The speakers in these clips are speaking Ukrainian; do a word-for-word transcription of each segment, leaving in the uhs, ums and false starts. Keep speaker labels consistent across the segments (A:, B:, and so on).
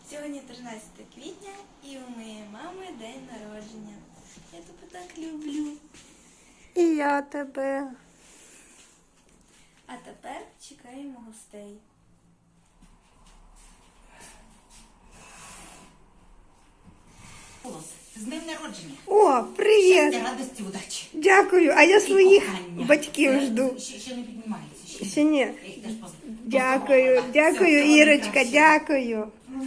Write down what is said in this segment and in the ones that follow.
A: Сьогодні тринадцяте квітня і у моєї мами день народження. Я тебе так люблю.
B: І я тебе.
A: А тепер чекаємо гостей.
C: З днем народження.
B: О, привіт!
C: Щастя, радості, удачі.
B: Дякую, а я своїх
C: кохання.
B: батьків
C: Е,
B: жду.
C: Ще, ще не піднімається. Ще,
B: Ще ні.
C: Я їх теж поз-
B: Дякую,
C: поздоровила.
B: дякую,
C: Все,
B: Ірочка,
C: краще.
B: дякую.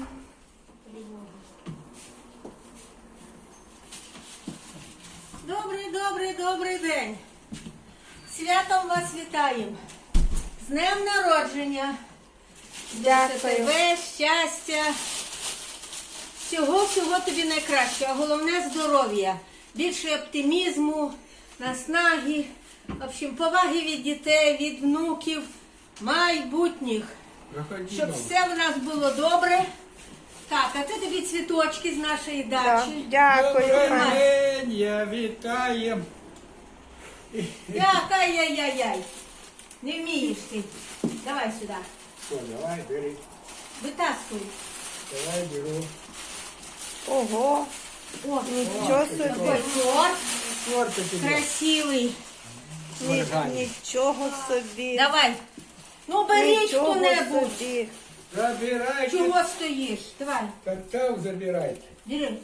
D: Добрий, добрий, добрий день. Святом вас вітаємо. З днем народження.
B: Дякую.
D: Тебе, щастя. Всього-всього тобі найкраще, а головне здоров'я. Більше оптимізму, наснаги, в общем, поваги від дітей, від внуків, майбутніх. Щоб все в нас було добре. Так, а це тобі цвіточки з нашої
B: Да,
D: дачі.
B: Дякую.
D: Добрий
B: Ань.
E: день, я вітаю.
D: Як, ай-яй-яй-яй. Не вмієш ти. Давай сюди.
E: Що, давай, бери.
D: Витаскуй.
E: Давай, беру.
B: Ого,
D: О,
B: нічого собі.
D: такой торт
E: Торта тебе.
D: красивий.
B: Ні- Нічого собі.
D: Давай. Ну, беріть
B: Нічого
D: хто-небудь.
B: собі.
E: Забирайте.
D: Чого стоїш? Давай,
E: Какао забирайте.
D: бери.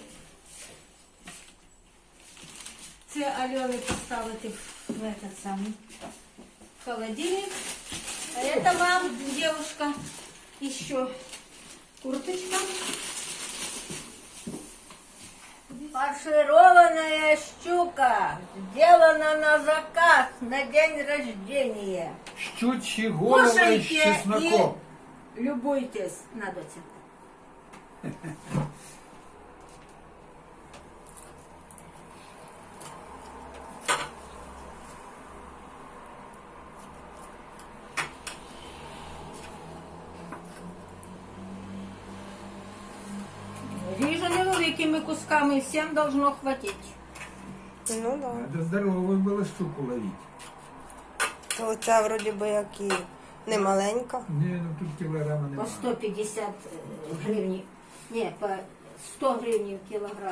D: Це Альони поставити в этот самий холодильник. А это вам, девушка, еще курточка. Фаршированная щука, сделана на заказ на день рождения.
E: Щучьи головы с
D: Кушайте
E: чесноком.
D: и любуйтесь. На, доця. Ріжу невеликими кусками, всім должно хватить.
B: Ну да.
E: Надо здоровую было щуку ловить.
B: То це вроді би як і не маленька.
E: Не, ну тут килограмма
D: По
E: нема.
D: сто пятьдесят гривень. Ні, по сто гривень в кілограм.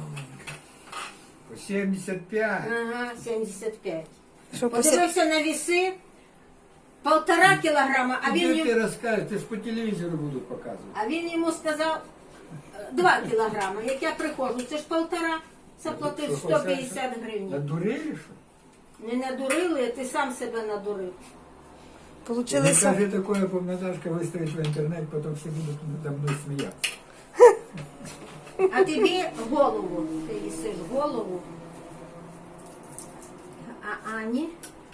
E: По семьдесят пять.
D: Ага, сімдесят п'ять.
B: Що посі...
D: Подивився на веси, полтора кілограма, а він,
E: Тебе
D: йому,
E: ты расскажешь, ты ж по телевизору будут показывать.
D: а він йому сказав е, два кілограми. Як я приходжу, це ж полтора, заплатив
E: Що,
D: сто п'ятдесят гривень.
E: Надурили, что?
D: Не надурили, ти сам себе надурив.
E: Не
B: Получилося.
E: скажи такое, Наташка выставит в интернет, потом все будут надо мной смеяться.
D: А тобі голову, ти їсиш голову. А Ані?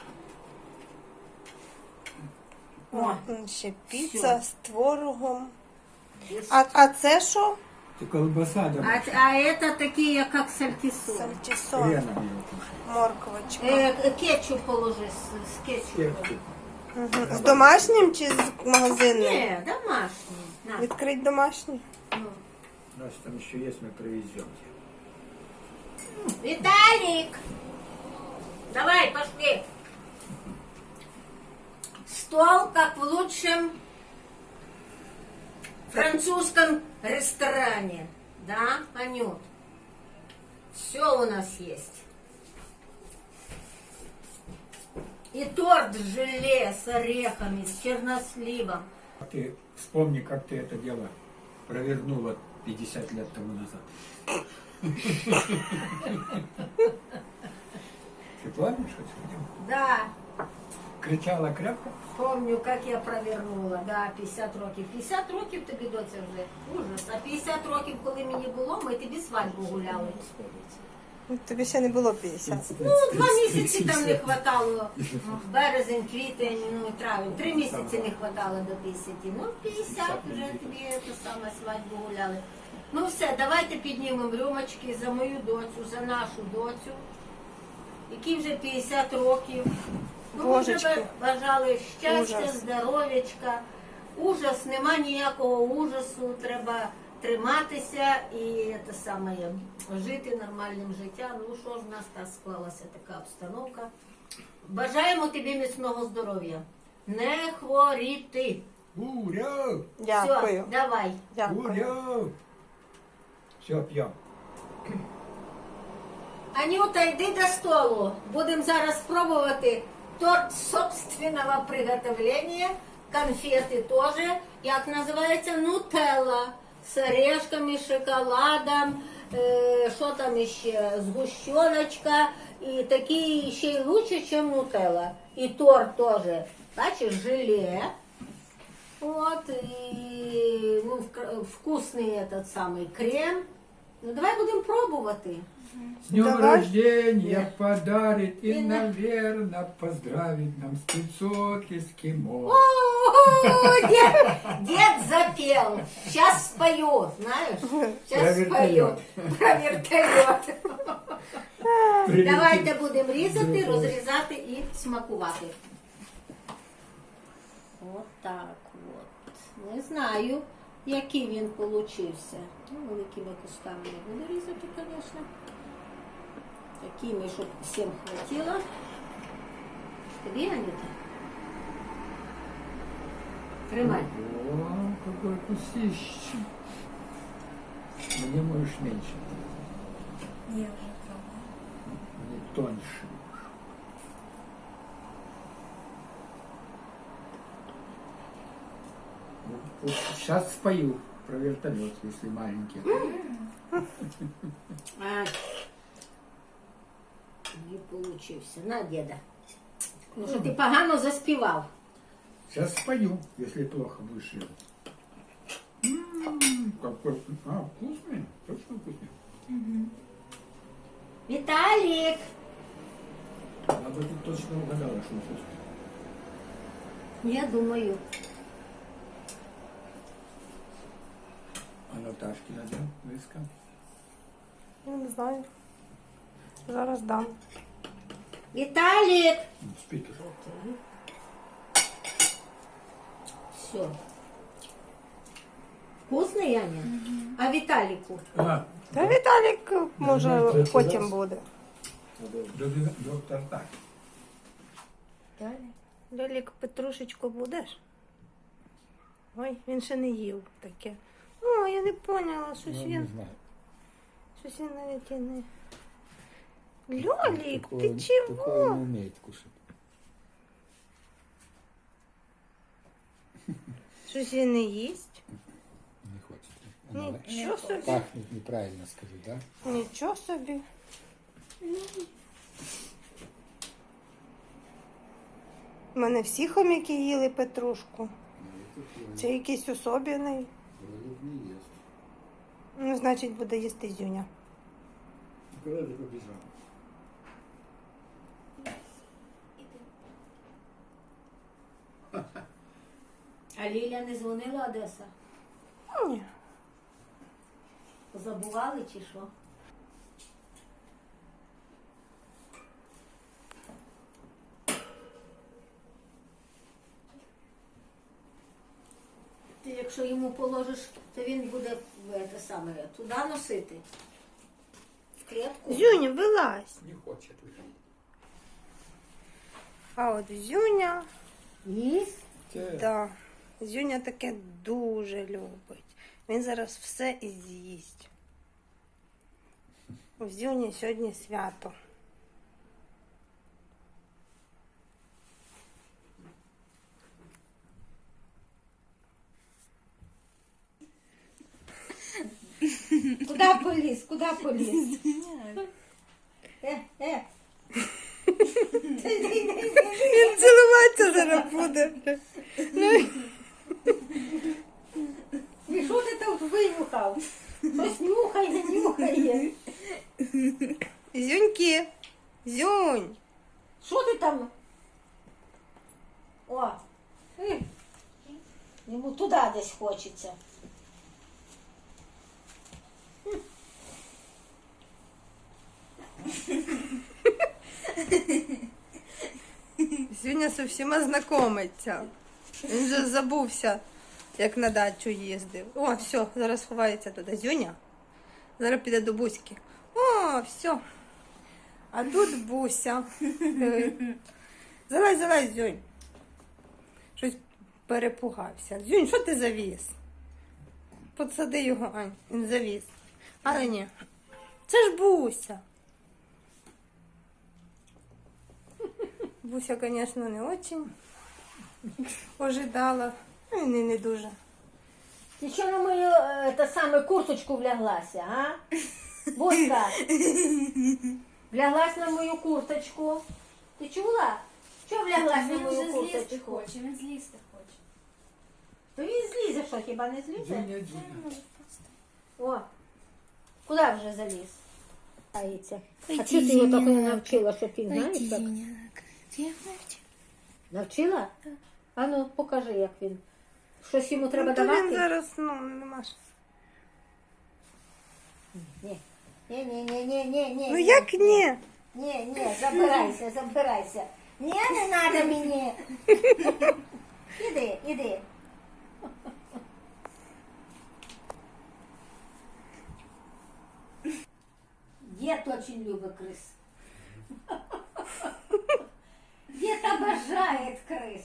D: О,
B: М, Ще піца з творогом. А, а це що?
E: Это колбаса,
D: а,
E: да,
D: а это такі, як сальтісон.
B: Сальтісон,
E: хреном ее кушать.
B: морквочка.
D: Е, кетчуп положи з, з кетчупом.
E: Перчик.
B: Мгм. З домашнім чи з магазинним?
D: Ні, домашній. На.
B: Відкрить домашній.
D: Ну.
E: У нас там еще есть, мы привезем.
D: Виталик! Давай, пошли. Стол, как в лучшем французском ресторане. Да, Анют? Все у нас есть. И торт с желе, с орехами, с черносливом.
E: Ты вспомни, как ты это дело провернула пятьдесят лет тому назад. Ты помнишь, что это дело?
D: Да,
E: Кричала крепко?
D: помню, как я провернула. Да, п'ятдесят років. п'ятдесят років тобі, доця, вже. Ужас. А п'ятдесят років, коли мені було, ми тобі свадьбу гуляли.
B: Ну, тобі ще не було п'ятдесят.
D: Ну, два місяці там не хватало. Березень, квітень, ну, травень. Три місяці не хватало до п'ятдесяти. Ну, п'ятдесят вже тобі ту саме свадьбу гуляли. Ну все, давайте піднімемо рюмочки за мою доцю, за нашу доцю, якій вже п'ятдесят років. Ну, ми
B: Божечки.
D: тебе бажали щастя,
B: Ужас.
D: здоров'ячка. Ужас, нема ніякого ужасу, треба триматися і те саме, жити нормальним життям. Ну що ж, в нас так склалася така обстановка. Бажаємо тобі міцного здоров'я. Не хворіти.
E: Ура!
B: Дякую.
D: Все, давай.
B: Дякую.
E: Ура! Все, п'ємо.
D: Анюта, йди до столу. Будемо зараз пробувати торт собственного приготовления. Конфети теж. Як називається? Нутелла. З орешками, шоколадом, е, що там ще, згущеночка. І такі ще й лучше, ніж нутелла. І торт теж. Бачиш, желе. Вот, и ну, вк- вкусный этот самый крем. Ну, давай будем пробувати.
E: С днем
B: Давай.
E: рождения подарит и,
D: И на-
E: наверное, поздравит нам спецот эскимо.
D: О, дед, дед запел. Сейчас спою, знаешь? Сейчас
E: Про
D: спою. Про вертольот.
E: Привет.
D: Давайте будемо різати, розрізати і смакувати. От так от. Не знаю, який він получився. Ну, великими кусками не буду різати, звісно. Такими, щоб всім хватило. Тобі, Анюта? Тримай.
E: О, какой вкусище. Мне можешь меньше,
A: Я вже пробувала.
E: мне тоньше. Вот сейчас спою про вертолет, если маленький.
D: А, не получився. На, діда. Ну, що ти погано заспівав.
E: Сейчас спою, если плохо вышел. М, Какой вкус- а, вкусный, точно вкусный.
D: Віталік!
E: Она бы тут точно угадала, что вкусный.
D: Я думаю.
E: А Наташке надо близко.
B: Я не знаю. Зараз дам.
D: Віталік!
E: Ну, спит уже.
D: Все. Вкусний, Аня? А Віталіку?
E: А,
B: Та Віталік, може,
E: Ну, це
B: потім
E: раз.
B: буде.
E: до- доктор так.
B: Далі. Лялік, петрушечку будеш? Ой, він ще не їв таке. О, я не поняла, щось
E: Ну, не
B: він.
E: знаю.
B: Щось він навіть і не. Льолік,
E: Такого-
B: ти
E: Такого
B: чого?
E: не умеет кушать.
B: Щось він не їсть.
E: Не хочет. Она
B: Нічого собі.
E: пахнет неправильно, скажи, да?
B: Нічого собі. У мене всі хомяки їли петрушку. Це якийсь особливий.
E: Кролик не ест.
B: Ну, значить, буде їсти Зюня.
E: Кролик побежал.
D: А Ліля не дзвонила, Одеса?
B: Ні.
D: Забували чи що? Ти якщо йому положиш, то він буде в те саме, туди носити. В клітку.
B: Зюня, вилазь.
E: Не хочет выходить.
B: А от Зюня,
D: Їсть?
B: да. Зюня таке дуже любить. Він зараз все і з'їсть. У Зюні сьогодні свято.
D: Куди поліз? Куди поліз? Е, е.
B: Він цілуватися зараз буде.
D: І що ти там винюхав? Щось нюхає, нюхає.
B: Зюньки, Зюнь.
D: Що ти там? О, е. Йому туди десь хочеться.
B: Зюня з усіма знайомиться. Він вже забувся, як на дачу їздив. О, все, зараз ховається туди. Зюня. Зараз піде до Буськи. О, все. А тут Буся. Диви. Залазь, залазь, Зюнь. Щось перепугався. Дзюнь, що ти завіз? Подсади його, Ань, він завіз. Але ні. Це ж Буся. Буся, звісно, не дуже ожидала. Ну, і не, не дуже.
D: Ти що на мою е, та саме курточку вляглася, а? Буська, вляглась на мою курточку. Ти чула? Що вляглась на
A: Він
D: мою
A: вже злізти
D: курточку?
A: хоче, він злізти хоче.
D: То він злізе, що хіба не злізе?
E: Дзюня,
A: Це
E: Дзюня.
A: не може просто.
D: О, куди вже заліз? Таїться. А
A: Ой,
D: чого ти його так не
A: Зіняк.
D: навчила, що ти
A: Ой,
D: знаєш
A: ти
D: як?
A: зіняк. Ти як навчив?
D: Навчила? А ну, покажи, як він. Щось йому треба
B: Ну, то він
D: давати?
B: зараз, ну, нема ж.
D: Ні. Ні, ні, ні, ні, ні, ні.
B: Ну як ні?
D: Ні, ні, забирайся, забирайся. Ні, не треба мені. Іди, іди. Дід очень любить крис. Дід обожає крис.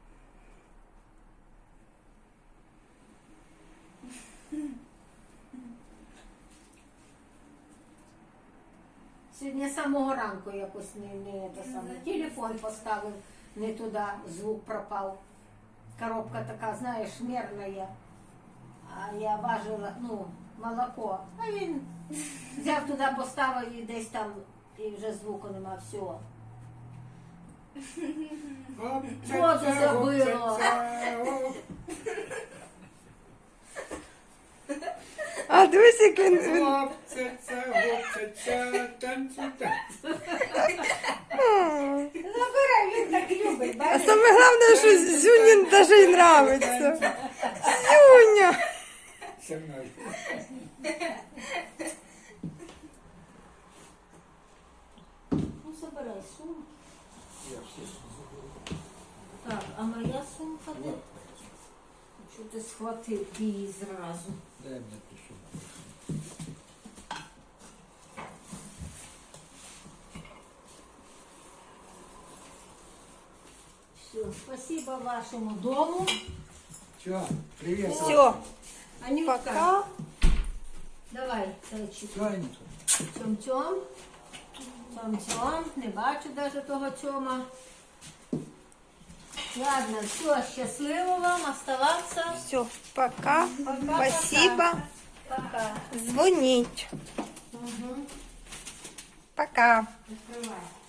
D: Сьогодні з самого ранку якось не, не те саме. Телефон поставив не туди, звук пропав. Коробка така, знаєш, мерна. А я важила, ну, молоко. А він взяв туди, поставив і десь там, і вже звуку нема, всього. Воду забило.
B: А дивись, як він... він-
E: Хлопця, хлопця, танцю, танцю.
B: М.
D: Забирай, він так любить,
B: А
D: бачиш?
B: саме головне, що Зюні навіть й нравиться. Зюня!
E: Со мною.
D: Ну, забирай сумку.
E: Я все
D: Так, а моя сумка де? Що ти схватив її зразу?
E: дай мне тишу.
D: Все, спасибо вашему дому.
E: Все, привет.
B: Все,
D: Анютка,
B: пока.
D: давай, зайчик.
E: Все, Анюта.
D: Тьом-тьом. Тьом-тьом. Не бачу навіть того тьома. Ладно, все, щасливо вам оставаться.
B: Все, пока.
D: Пока-пока.
B: Спасибо.
D: Пока.
B: Дзвоніть.
D: Угу.
B: Пока.
D: Відкривай.